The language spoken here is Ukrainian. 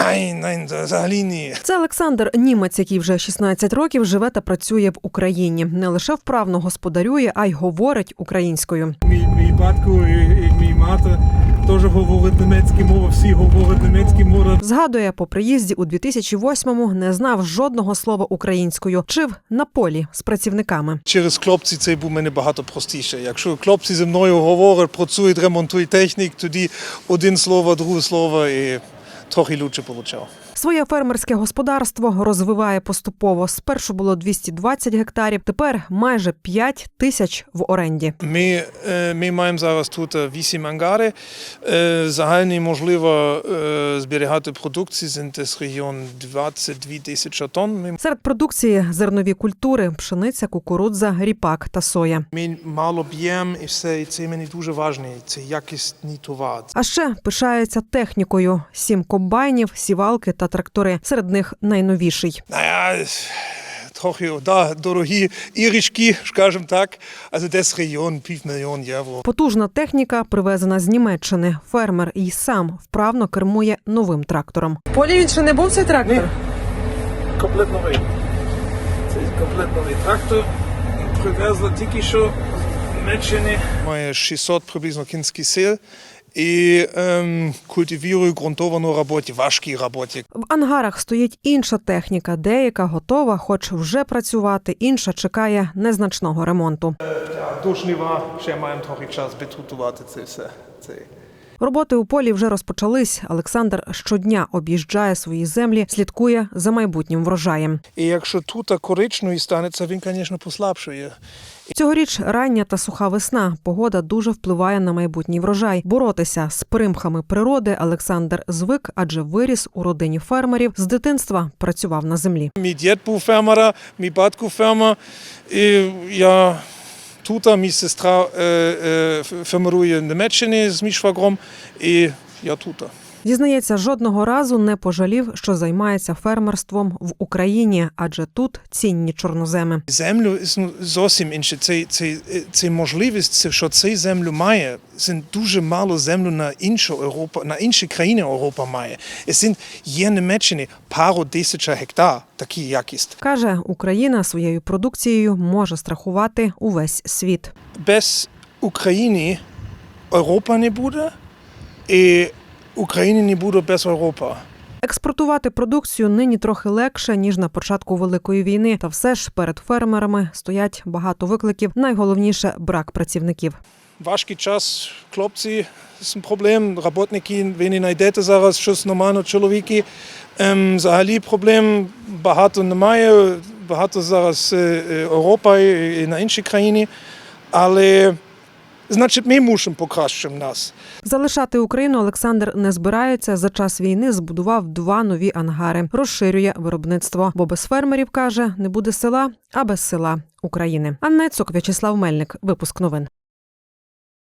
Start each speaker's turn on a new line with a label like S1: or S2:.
S1: Nein, взагалі ні.
S2: Це Олександр, німець, який вже 16 років живе та працює в Україні. Не лише вправно господарює, а й говорить українською.
S1: Мій батько і мій мати теж говорять німецьку мову, всі говорять німецьку мову.
S2: Згадує, по приїзді у 2008-му не знав жодного слова українською. Вчив на полі з працівниками.
S1: Через хлопці це був мене багато простіше. Якщо хлопці зі мною говорять, працюють, ремонтують технік, тоді один слово, друге слово і трохи лучше получав.
S2: Своє фермерське господарство розвиває поступово. Спершу було 220 гектарів, тепер майже 5 тисяч в оренді.
S1: Ми маємо зараз тут 8 ангари. Загальний можливо зберігати продукцію з десь регіон 22 тисячі тонн.
S2: Серед продукції зернові культури – пшениця, кукурудза, ріпак та соя.
S1: Ми мало б'ємо і все, і це мені дуже важливо. Це якісний товар.
S2: А ще пишається технікою. 7 комбайнів, сівалки та трактори. Серед них найновіший.
S1: Трохи дорогі іграшки, скажімо так. Also десь регіон 5 мільйонів євро.
S2: Потужна техніка, привезена з Німеччини. Фермер і сам вправно кермує новим трактором. В полі він ще не був, цей трактор?
S1: Ні. Комплект новий. Це комплект новий трактор. Привезли тільки що з Німеччини. Має 600 приблизно кінських сил. І культивірую ґрунтовану роботу, важкі роботи.
S2: В ангарах стоїть інша техніка. Деяка готова, хоч вже працювати, інша чекає незначного ремонту.
S1: До жнива ще маємо трохи час підготувати це все.
S2: Роботи у полі вже розпочались. Олександр щодня об'їжджає свої землі, слідкує за майбутнім врожаєм.
S1: І якщо тут коричневий станеться, він, звісно, послабшує.
S2: Цьогоріч рання та суха весна. Погода дуже впливає на майбутній врожай. Боротися з примхами природи Олександр звик, адже виріс у родині фермерів. З дитинства працював на землі.
S1: Мій дід був фермер, мій батько фермер. І я тут, мій сестра фермерує в Німеччині з мій швагром, і я тут.
S2: Зізнається, жодного разу не пожалів, що займається фермерством в Україні, адже тут цінні чорноземи.
S1: Землю зовсім інше. Це можливість, що цей землю має. Це дуже мало землю на інші країни Європи має. Є в Німеччині пару тисяч гектар такий якість.
S2: Каже, Україна своєю продукцією може страхувати увесь світ.
S1: Без України Європа не буде, і України не буде без Європи.
S2: Експортувати продукцію нині трохи легше, ніж на початку Великої війни. Та все ж перед фермерами стоять багато викликів. Найголовніше – брак працівників.
S1: Важкий час, хлопці, це проблем. Роботники, ви не знайдете зараз щось нормально, чоловіки. Взагалі проблем багато немає. Багато зараз Європа і на інші країни. Але значить, ми мусимо покращити нас.
S2: Залишати Україну Олександр не збирається. За час війни збудував 2 нові ангари. Розширює виробництво. Бо без фермерів, каже, не буде села, а без села – України. Анна Цок, В'ячеслав Мельник. Випуск новин.